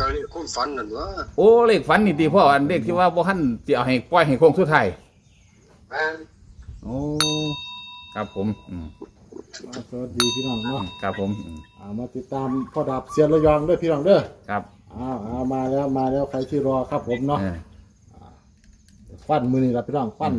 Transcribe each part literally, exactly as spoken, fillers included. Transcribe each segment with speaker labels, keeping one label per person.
Speaker 1: ก็เลขคุ้มฝันนั่นวะ
Speaker 2: โอ้เลขฝันนี่ตีพ่ออันเลขที่ว่าบ่ทันจะเอาให้ปล่อยให้โค้งสุดท้าย
Speaker 1: แม่น
Speaker 2: โอ้ครับผมอืม
Speaker 3: สวัสดีพี่น้องเนาะ
Speaker 2: ครับผมอืม
Speaker 3: อ่ามาติดตามพ่อดาบเซียนระยองด้วยพี่น้องเด้อ
Speaker 2: ครับ
Speaker 3: อ้าวเอามาแล้วมาแล้วใครที่รอครับผมเนาะฟันมือนี่ละพี่น้องฟัน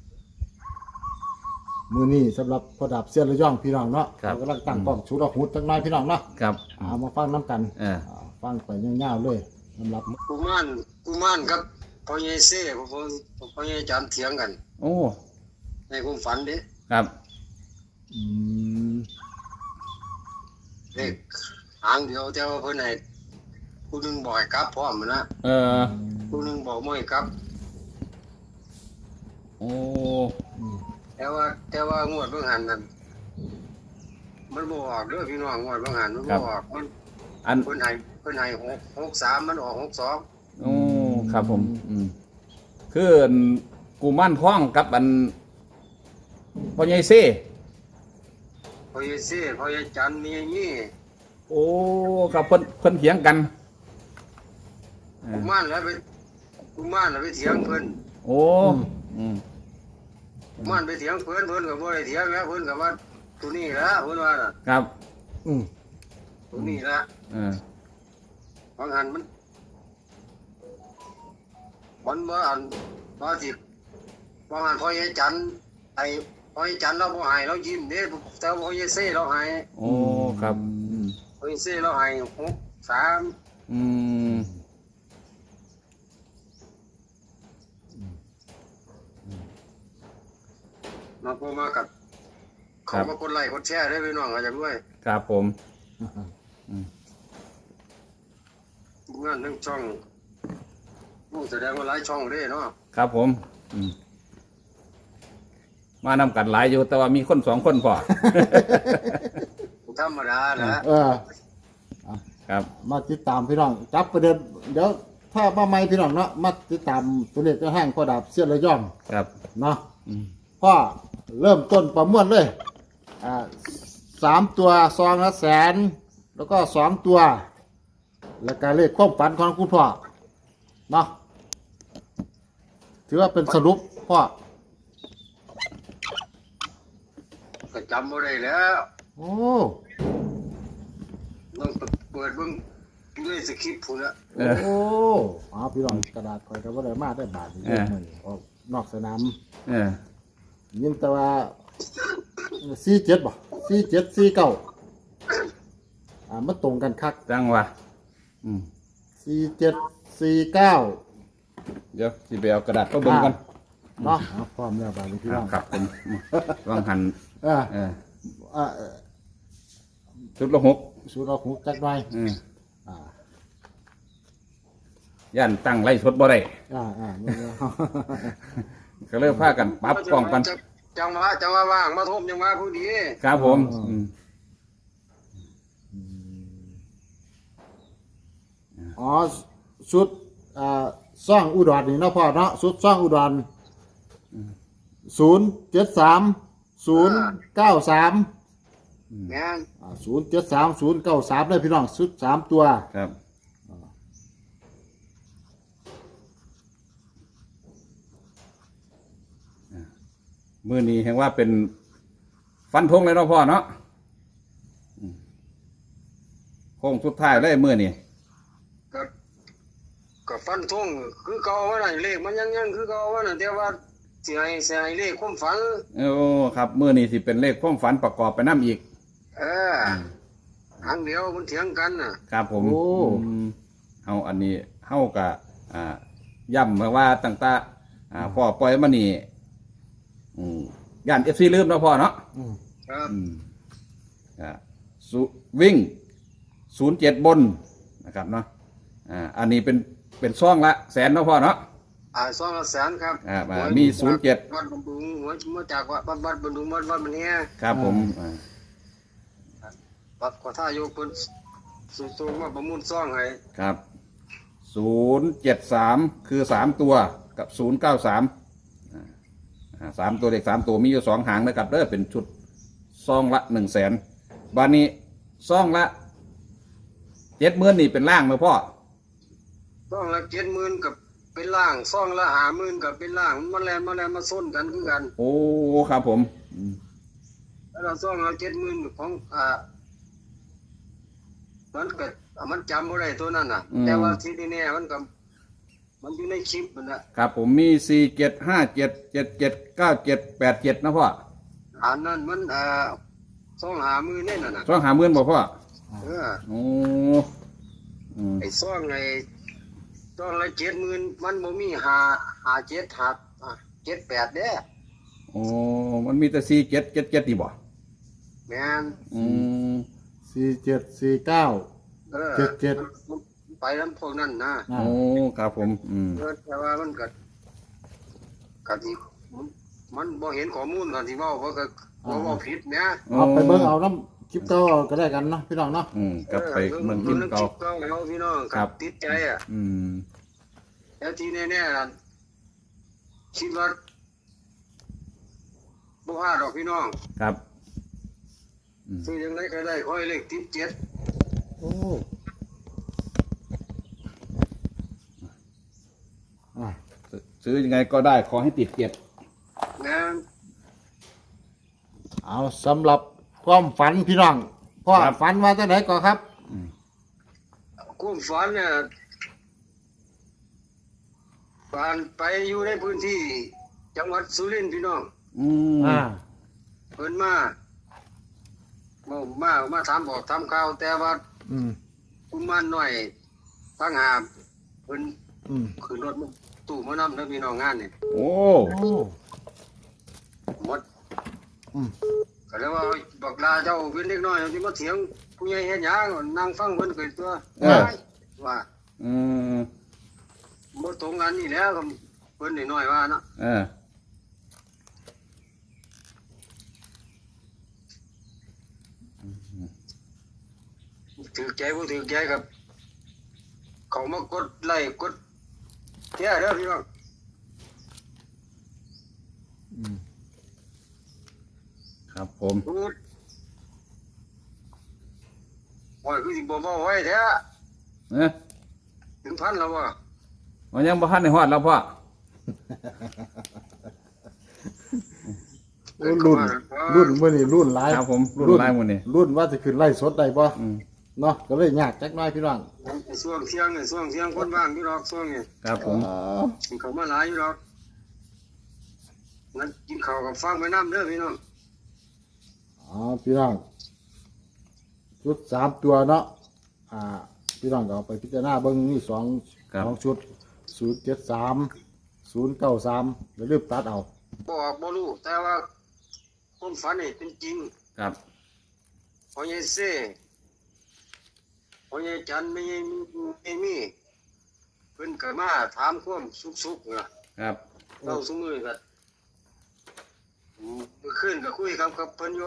Speaker 3: มือนี่สำหรับพ่อดาบเซียนระยองพี่น้องเนาะเรากำลังตั้งกล้องชูดอกหุดตั้งน้อยพี่น้องเนาะ
Speaker 2: ครับ
Speaker 3: เอามาฟังน้ำกันฟังไปยาวๆเลยสำหรับ
Speaker 1: กุมารกุมารครับพ่อใหญ่เซ่พ่อพ่อใหญ่จันเถียงกัน
Speaker 2: โอ้
Speaker 1: ในคุ้มฝันดิ
Speaker 2: ครับ
Speaker 3: อืม
Speaker 1: เลขหางเดียวแต่ว่าเพิ่นให้ผู้นึงบอกให้กลับพร้อมนะ
Speaker 2: เออ
Speaker 1: ผู้นึงบอกไม่ให้กลับ
Speaker 2: โอ้
Speaker 1: แต่ว่าแต่ว่างวดเบิ่งหันนั่นมันบ่ออกเด้อพี่น้องงวดเบิ่งหันมันบ่ออกมัน
Speaker 2: อัน
Speaker 1: เพิ่นให้เพิ่นให้หก หกสามมันออกหกสอง
Speaker 2: โอ้ครับผมอืมคือกูมั่นท้องกับอันพ่อใหญ่เซ่
Speaker 1: พ่อใหญ่เซ่พ่อใหญ่จันมีอย่างนี้
Speaker 2: โอ้กับเพิ่นเพิ่นเถียงกัน
Speaker 1: กุมารแล้วไปกุมารแล้วไปเถียงเพิ่น
Speaker 2: โอ้อืม
Speaker 1: กุมารไปเถียงเพิ่นเพิ่นก็บ่ได้เถียงแล้วเพิ่นก็ว่าตัวนี้ละเพิ่นว่าน่ะ
Speaker 2: ครับ
Speaker 3: อืม
Speaker 1: ตัวนี้ละ
Speaker 2: เออ
Speaker 1: บางอันมันมันบ่อันว่าสิบางอันพ่อใหญ่จันไอ้พ่อใหญ่จันเราบ่ให้เรายิ้มเด้แต่พ่อใหญ่เซ่เราให้
Speaker 2: โอ้ครับ
Speaker 1: พ่อใหญ่เซ่เราให้หกสาม
Speaker 2: อืม
Speaker 1: มาพอมากับเขามากดไลค์กดแชร์ได้พี่น้องอาจารย์ด้วย
Speaker 2: ครับผม
Speaker 1: งานทั้งช่องผู้แสดงว่าหลายช่องเด้เนาะ
Speaker 2: ครับผมมานำกันหลายอยู่แต่ว่ามีคนสองคนพอ
Speaker 1: ธรรมดานะ
Speaker 3: เออ
Speaker 2: ครับ
Speaker 3: มาติดตามพี่น้องจับประเด็นเดี๋ยวถ้ามาใหม่พี่น้องเนาะมาติดตามตัวเลขจะแห้งพ่อดาบเสี้ยนระยอง
Speaker 2: ครับ
Speaker 3: เนาะพ่อเริ่มต้นประมวลเลยอ่าสามตัวซองละแสนแล้วก็สองตัวแล้วก็เลขความฝันของคุณพ่อเนาะถือว่าเป็นสรุปพ่อ
Speaker 1: ก็จำบ่ได้แล้ว
Speaker 3: โอ้
Speaker 1: ต้องเปิดเบิ่งด้วยสคริปต์พุ่นละ
Speaker 3: โอ้อ๋อพี่น้องกระดาษคอยก็บ่ได้มาได้บาทเยอะเลยออกนอกสนาม
Speaker 2: เออ
Speaker 3: ยินแต่ว่าสี่เจ็ดบ่สี่เจ็ดสี่เก้าอ่ามันตรงกันคัก
Speaker 2: จังวะอืม
Speaker 3: สี่เจ็ดสี่เก้า
Speaker 2: เดี๋ยวสิไปเอากระดาษก็เบิ่งกัน
Speaker 3: เนาะพร้อมแล้วบาดนี้พี่น้อง
Speaker 2: ครับผมวางหัน
Speaker 3: เออเอออ่า
Speaker 2: ชุดละหก
Speaker 3: ชุดละหกจักหน่อย
Speaker 2: อืมอ่าย่านตั้งไล่สดบ่ได้
Speaker 3: อ่าอ่า
Speaker 2: ก็เลยพากันปรับป้องกัน
Speaker 1: จังหวะจังหวะว่างมาทุ่มจังหวะผู้ดี
Speaker 2: ครับผม
Speaker 3: อ๋อชุดอ่าซ่องอุดรนี่เนาะพ่อเนาะชุดซ่องอุดรศูนย์เจ็ดสามศูนย์เก้าสาม
Speaker 1: เนี่ย
Speaker 3: ศูนย์เจ็ดสามศูนย์เก้าสามเลยพี่น้องชุดสามตัว
Speaker 2: ครับมือนี้เห็นว่าเป็นฟันธงเลยเนาะพ่อเนาะโค้งสุดท้ายเลยมือนี้
Speaker 1: ก็ก็ฟันธงคือเก่าว่าไหนเลขมันยังยังคือเก่าว่าไหนแต่ว่าเสียเสียเลขความฝัน
Speaker 2: โอ้ครับมือนี้สิเป็นเลขความฝันประกอบไปน้ำอีก
Speaker 1: เออครั้งเดียวมันเถียงกันน่ะ
Speaker 2: ครับผมโอ้เฮาอันนี้เฮากับอ่าย่ำมาว่าตั้งแต่อ่าพ่อปล่อยมานี่อืมย่านเอฟซีลืมเนาะพ่อเนาะ
Speaker 1: ครับ
Speaker 2: อ่าสุวิ่งศูนย์เจ็ดบนนะครับเนาะอ่าอันนี้เป็นเป็นซ่องละแสนเนาะพ่อเนาะ
Speaker 1: อ่าซ่องละแสนครับ
Speaker 2: อ่ามีศูนย์เจ็ด
Speaker 1: วัดบำรุงหัวมาจากวัดวัดบำรุงวัดวัดมันเนี้ย
Speaker 2: ครับผมอ่า
Speaker 1: วัดกว่าท่าโยกุนสูงสูงมาประมูลซ่องให้
Speaker 2: ครับศูนย์เจ็ดสามคือสามตัวกับศูนย์เก้าสามสามตัวเด็กสามตัวมีอยู่สองหางนะครับเด้อเป็นชุดซองละหนึ่งแสนบานนี้ซองละเจ็ดหมื่นนี่เป็นล่างไหมพ่อ
Speaker 1: ซองละเจ็ดหมื่นกับเป็นล่างซองละห้าหมื่นกับเป็นล่างมันแลนมาแลนมาส้นกันคือกัน
Speaker 2: โอ้ครับผมอืม
Speaker 1: แล้วเราซองละเจ็ดหมื่นของอ่ามันก็มันจำบ่ได้ตัวนั้นน่ะ แต่ว่าที่นี่เนี่ยมันก็มันอยู่ในคลิปมันน่ะ
Speaker 2: ครับผมมีสี่เจ็ดห้าเจ็ดเจ็ดเจ็ดเก้าเจ็ดแปดเจ็ดนะพ่อ
Speaker 1: อันนั้นมันอ่าซองห้าหมื่นนี่น่ะน่ะ
Speaker 2: สองหาเมื่อนบ่พ่อ
Speaker 1: เออ
Speaker 2: โอ้อืม
Speaker 1: ไอ้ซองไอ้ซองละเจ็ดหมื่นมันบ่มีหาหาเจ็ดหาอ่าเจ็ดแปดเด้อ
Speaker 2: โอ้มันมีแต่สี่เจ็ดเจ็ดเจ็ดนี่บ่
Speaker 1: แม่น
Speaker 2: อืม
Speaker 3: สี่เจ็ดสี่เก้า
Speaker 1: เออ
Speaker 3: เจ็ดเจ็ด
Speaker 1: มันไปนํพวกนั้นนะ
Speaker 3: อ่า
Speaker 2: โอ้ครับผมอืม
Speaker 1: เออแต่ว่ามันก็ก็สิมันมันบ่เห็นข้อมูลกันสิเว้าเพราะก็บ่เว้าผิดนะ
Speaker 3: เอาไปเบิ่งเอาน้ำคลิปเก่าก็ได้กันเนาะพี่น้องเนาะ
Speaker 2: อืมกลับไป
Speaker 1: ออ
Speaker 2: เมืองกินเก่า
Speaker 1: เก่าแล้วพี่น้อง
Speaker 2: ครับ
Speaker 1: ติดใจอ่ะ
Speaker 2: อืม
Speaker 1: แล้วที่แน่ๆน่ะคิดว่าบ่พลาดดอกพี่น้อง
Speaker 2: ครับอืม
Speaker 1: ซื้อยังไงก็ได้ค่อยเลขติดเจ็ด
Speaker 3: โอ้อ่ะ
Speaker 2: ซื้อยังไงก็ได้ขอให้ติดเจ็ด
Speaker 1: นะ
Speaker 3: เอาสำหรับความฝันพี่น้องพ่อฝันว่าจังไหนก่อนครับ
Speaker 1: ความฝันเนี่ยฝันไปอยู่ในพื้นที่ จังหวัดสุรินทร์พี่น้อง
Speaker 2: อืม
Speaker 3: อ่า
Speaker 1: เพิ่นมาบ่มามาถามบอกถามข่าวแต่ว่า
Speaker 3: อืม
Speaker 1: กุมารน้อยตั้งหาเพิ่น
Speaker 3: อืม
Speaker 1: ขึ้นรถมาตู้มานำเด้อพี่น้องงานนี่
Speaker 2: โอ้
Speaker 3: โอ้
Speaker 1: หมด
Speaker 3: อืม
Speaker 1: ก็เลยว่าบักลาเจ้าเป็นเด็กน้อยสิมาเถียงผู้ใหญ่เฮ็ดหยังนั่งฟังเพิ่นเกิดตัวว่า
Speaker 2: อืม
Speaker 1: บ่ตรงกันนี่แหล้วก็เพิ่นน้อยๆว่านะ
Speaker 2: เออ
Speaker 1: ถือใจบ่ถือใจกับ เขามากดไลค์กดแชร์เด้อพี่น้อง
Speaker 3: อืม
Speaker 2: ครับผม
Speaker 1: พูดโอ้ยคือสิบ่เว้าไว้แท้
Speaker 2: เอ๊ะ
Speaker 1: ถึงพันแล้วบ่
Speaker 2: มันยังบ่ทันในฮอดแล้วพ่อ
Speaker 3: โอ้รุ่นรุ่นเมื่อนี่รุ่นหลาย
Speaker 2: ครับผมรุ่นไล่หมดนี่
Speaker 3: รุ่นว่าจะขึ้นไล่สดได้บ่
Speaker 2: อืม
Speaker 3: เนาะก็เลยยากจักหน้อยพี่น้อง
Speaker 1: ไอ้ช่วงเที่ยงไอ้ช่วงเที่ยงคนว่างอยู่ดอกช่วงนี้
Speaker 2: ครับผม
Speaker 3: อ๋อ
Speaker 1: สิเขามาหลายอยู่ดอกงั้นกินข้าวกับฟังไปน้ำเด้อพี่น้อง
Speaker 3: อ๋อพี่น้องชุดสามตัวเนาะอ่าพี่น้องก็เอาไปพิจารณาเบิ่งนี่สอง
Speaker 2: ครับ
Speaker 3: สองชุดศูนย์เจ็ดสามศูนย์เก้าสามแล้วรีบตัดเอา
Speaker 1: บ่ออกบ่รู้แต่ว่าความฝันนี่เป็นจริง
Speaker 2: ครับ
Speaker 1: พอใหญ่เซ่พอใหญ่จันไม่ใหญ่ไม่มีเพิ่นก็มาถามความสุขๆนะครับ เราซุมื้อก็อืมเมื่อคืนก็คุยกับกับเพิ่นอยู่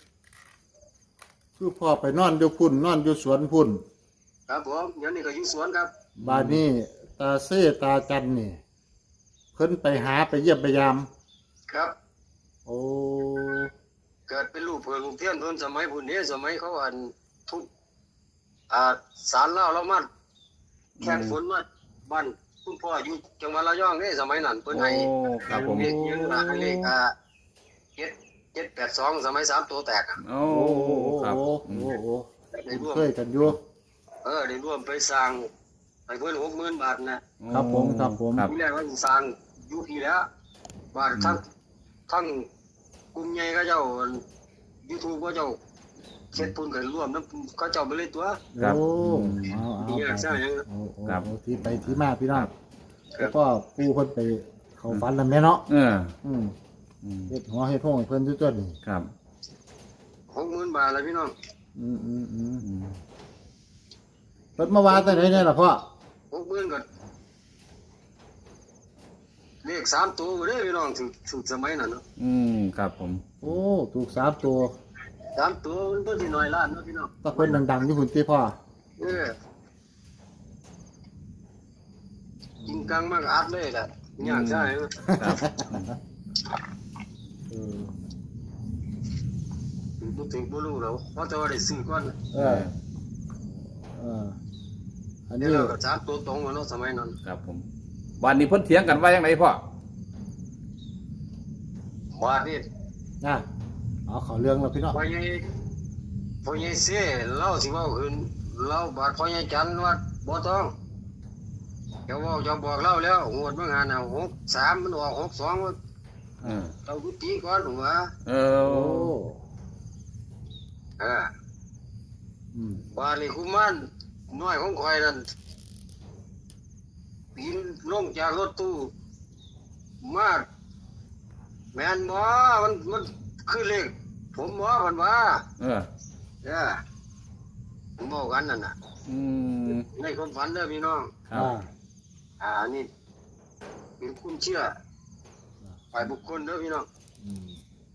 Speaker 3: คือพ่อไปนอนอยู่พุ่นนอนอยู่สวนพุ่น
Speaker 1: ครับผมเดี๋ยวนี้ก็อยู่สวนครับ
Speaker 3: บานนี้ตาเซ่ตาจันนี่เพิ่นไปหาไปเยี่ยมไปยาม
Speaker 1: ครับ
Speaker 3: โอ้
Speaker 1: เกิดเป็นลูกเพื่อนลูกเทียนเพิ่นสมัยพุ่นนี้สมัยเขาอันทุบอ่าศาลลาวเรามาแข่งฝนมาบ้านคุณพ่ออยู่จังหวัดระยองนี่สมัยนั้นเพิ่น
Speaker 2: โอ้
Speaker 1: ให้
Speaker 2: ครับผม
Speaker 1: เลขยังล่ะให้เลขอ่าเจ็ดเจ็ดแปดสองสมัยสามตัวแตกอะ
Speaker 2: โอ้
Speaker 3: โอ้โอ้
Speaker 2: ครับ
Speaker 3: โอ้
Speaker 2: อืม
Speaker 3: โอ้โอ้
Speaker 1: ได้ร่วม
Speaker 3: เคยกันอยู่
Speaker 1: เออได้ร่วมไปสร้างให้เพิ่นหกหมื่นบาทนะครับ
Speaker 3: ผมครับผม
Speaker 2: ครับ
Speaker 1: ทีแรกว่าสิสร้างอยู่ที่แล้วบาททั้งทั้งกลุ่มใหญ่ก็เจ้า YouTube ก็เจ้าเฮ็ดพุ่นกันร่วมนำเขาเจ้าไปเลยตัว
Speaker 2: ครับ
Speaker 3: โอ้
Speaker 2: อืม
Speaker 3: เอาเอา
Speaker 1: มีอยากสร้างหยัง
Speaker 3: เอาเอา
Speaker 2: ครับ
Speaker 3: เอาที่ไปที่มาพี่น้อง
Speaker 1: ครั
Speaker 3: แล้
Speaker 1: บ
Speaker 3: วก็ปูเพิ่นไปเขาฝันลำแน่เนาะ
Speaker 2: เออ
Speaker 3: อืม
Speaker 2: อืม
Speaker 3: เฮ็ดหัวเฮ็ดห้องให้เพิ่นจุดๆนี่
Speaker 2: ครับ
Speaker 1: หกหมื่นบาทแล้วพี่น้อง
Speaker 3: อืมอืมอืม
Speaker 2: อืม
Speaker 3: เพิ่นมาวาแต่ไหนเนี่ยล่ะพ่อ
Speaker 1: หกหมื่นก็เลขสามตัวเด้อพี่น้องถึงถึงสมัยนั้นเนาะ
Speaker 2: อืมครับผม
Speaker 3: โอ้ถูกสามตัว
Speaker 1: สามตัวมันเพิ่นสิน้อยล้านเนาะพี่น้อง
Speaker 3: ถ้าเพิ่นดังๆอยู่พุ่นติพ่อ
Speaker 1: เออจริงกังมากอัดเลยแหละยากใช่ไหม
Speaker 2: ครับ
Speaker 3: เออ
Speaker 1: บ่ถึงบ่รู้แล้วเพราะแต่ว่าได้ซื้อก่อน
Speaker 3: เออเอออัน
Speaker 1: นี่
Speaker 3: นี้
Speaker 1: เราก็สามตัวตรงกันเนาะสมัยนั้น
Speaker 2: ครับผมวันนี้เพิ่นเถียงกันว่ายังไงพ่อ
Speaker 1: ว่านี่
Speaker 3: นะเอาเขาเรื่องแล้วพี่น้อง
Speaker 1: พ่อใหญ่พ่อใหญ่เสียเล่าสิเว่าอื่นเล่าบาดพ่อใหญ่จันว่าบ่ต้องเดี๋ยวเว่าจะบอกเล่าแล้วงวดเมื่องานน่ะหกสามมันออกหกสอง
Speaker 2: เออ
Speaker 1: เราดูตีก่อนหัว
Speaker 2: เอ
Speaker 3: โอ้
Speaker 2: อ
Speaker 1: เออ
Speaker 3: อืม
Speaker 1: บาลีคุมันน้อยของข่อยนั่นปีนลงจากรถตู้มาแม่นบ่มันมันคือเลขผมบ่เพิ่นว่า
Speaker 2: เออ
Speaker 1: เด้อผมบอกกันนั่นน่ะ
Speaker 2: อืม
Speaker 1: ในความฝันเด้อพี่น้อง
Speaker 2: ครับ
Speaker 3: อ่า
Speaker 1: อ่านี่เป็นคุณเชื่อฝ่ายบุคคลเด้อพี่น้อง
Speaker 3: อืม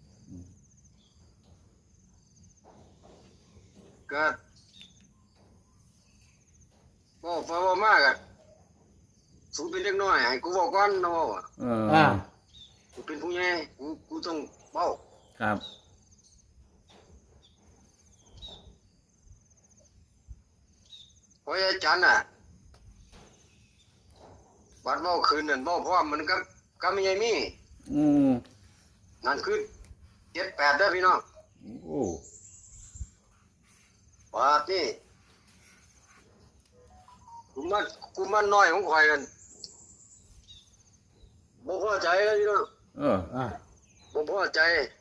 Speaker 1: ก็บ่ฟ้าบ่มากอ่ะสูงเป็นเล็กน้อยให้กูบอกก่อนเนาะ
Speaker 2: เออ
Speaker 3: อ่า
Speaker 1: กูเป็นผู้ใหญ่กูกูต้องเบ้า
Speaker 2: ครับ
Speaker 1: เพราะอาจารย์น่ะบัดเบ้าคืนนั่นเบ้าพร้อมมันก็ก็ไม่ใช่มี
Speaker 2: อืม
Speaker 1: นั่นคือเจ็ดแปดเด้อพี่น้อง
Speaker 2: โอ้
Speaker 1: บาดนี่กูมันกูมันน้อยของข่อยกันบ่พอใจเลยพี่น้อง
Speaker 2: เออ
Speaker 3: อ่า
Speaker 1: บ่พอใจ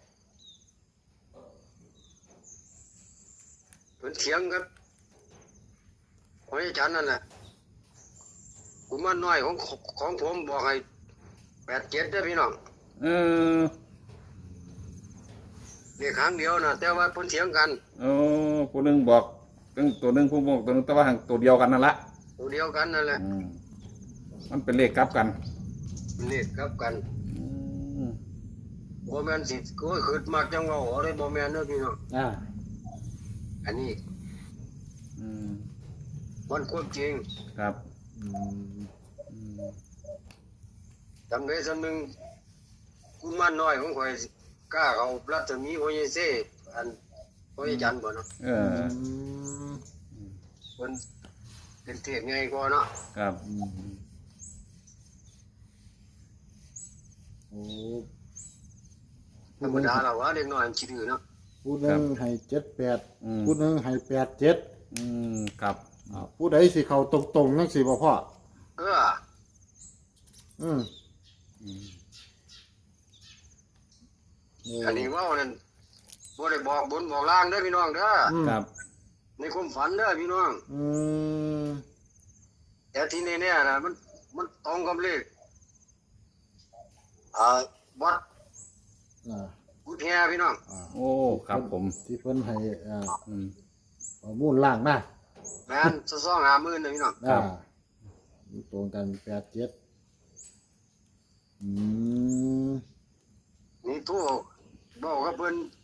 Speaker 1: เพิ่นเถียงครับเพราะอาจารย์นั่นน่ะกูมันน้อยของของผมบอกให้แปดเจ็ดเด้อพี่น้อง
Speaker 2: เออ
Speaker 1: นี่ครั้งเดียวนะแต่ว่าเพิ่นเถียงกัน
Speaker 2: โอ้ผู้หนึงบอกตั้งตัวหนึงผู้บอกตัวหนึงแต่ว่าหังตัวเดียวกันนั่นละ
Speaker 1: ตัวเดียวกันนั่นแหละ
Speaker 2: อืมมันเป็นเลขกลับกัน
Speaker 1: นี่กลับกัน
Speaker 2: อืม
Speaker 1: บ่แม่นสิโอ้ยขึ้นมากจังว่าอะไรบ่แม่นเด้อพี่น้อง
Speaker 3: อ่า
Speaker 1: อันนี้
Speaker 2: อืม
Speaker 1: มันความจริง
Speaker 2: ครับ
Speaker 3: อืม
Speaker 2: อืม
Speaker 1: จำได้สำนึงกูมันน้อยของข่อยกล้าเขารัศมีโอเยเซอันโอเยจันทร์บ่เนาะ
Speaker 2: เอ
Speaker 3: อื
Speaker 2: อ
Speaker 3: ม
Speaker 1: เพิ่นเป็นเทพใหญ่กว่าเนาะ
Speaker 2: ครับ
Speaker 3: อืมโอ้
Speaker 1: ธรรมดาแล้วว่าเด็กน้อยมันสิดื้อเนาะ
Speaker 3: ผู้หนึ่งให้เจ็ดแปด
Speaker 2: อืม
Speaker 3: ผู้หนึ่งให้แปดเจ็ด
Speaker 2: อืมครับ
Speaker 3: อ่าผู้ใดสิเขาตรงๆนั่นสิบ่พ่อ
Speaker 1: เออ
Speaker 3: อืม
Speaker 2: อืม
Speaker 3: โอ้
Speaker 1: อันนี้เว้านั่นบ่ได้บอกบนบอกล่างเด้อพี่น้องเด้อ
Speaker 3: อืม
Speaker 2: ครับ
Speaker 1: ในความฝันเด้อพี่น้อง
Speaker 3: อืม
Speaker 1: แต่ที่แน่ๆนะมันมันตรงกับเลขอ่าวัด
Speaker 3: อ่า
Speaker 1: กุฎแฮพี่น้อง
Speaker 3: อ่า
Speaker 2: โอ้ครับผม
Speaker 3: ที่เพิ่นให้อ่า
Speaker 2: อืม
Speaker 3: ข้อมูลล่างนะ
Speaker 1: แม่นสะซ่องหาหมื่นนะพี่น้อง
Speaker 2: ครั
Speaker 3: อ่า
Speaker 2: บ
Speaker 3: มันตรงกันแปดเจ็ดอืม
Speaker 1: นี่ทู่บอกกับเพิ่น